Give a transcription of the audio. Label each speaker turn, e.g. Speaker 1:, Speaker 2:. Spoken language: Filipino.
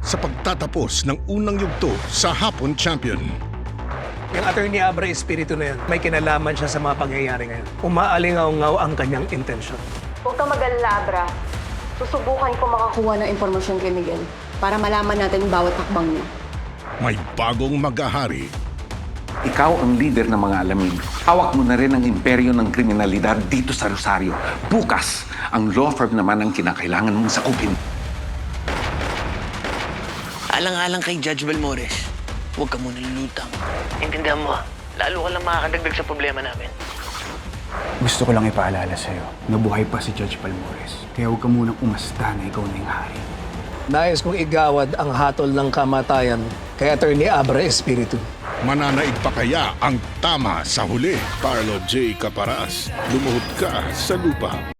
Speaker 1: sa pagtatapos ng unang yugto sa Hapon Champion.
Speaker 2: Yung attorney Abra Espiritu na yan, may kinalaman siya sa mga pangyayari ngayon. Umaalingaw-ngaw ang kanyang intensyon.
Speaker 3: Huwag kang mag-alala, Abra. Susubukan ko makakuha ng impormasyon kay Miguel para malaman natin yung bawat hakbang niya.
Speaker 1: May bagong mag-ahari.
Speaker 4: Ikaw ang leader ng mga alamin. Hawak mo na rin ang imperyo ng kriminalidad dito sa Rosario. Bukas, ang law firm naman ang kinakailangan mong sakupin.
Speaker 5: Alang-alang kay Judge Balmores, huwag ka muna lulutang. Intindihan mo, lalo ka lang makakadagdag sa problema namin.
Speaker 6: Gusto ko lang ipaalala sa'yo na buhay pa si Judge Balmores. Kaya huwag ka munang umasta na ikaw na yung hari.
Speaker 2: Nais kong igawad ang hatol ng kamatayan kay attorney Abra Espiritu.
Speaker 1: Mananaig pa kaya ang tama sa huli? Carlo J. Caparas, lumuhod ka sa lupa.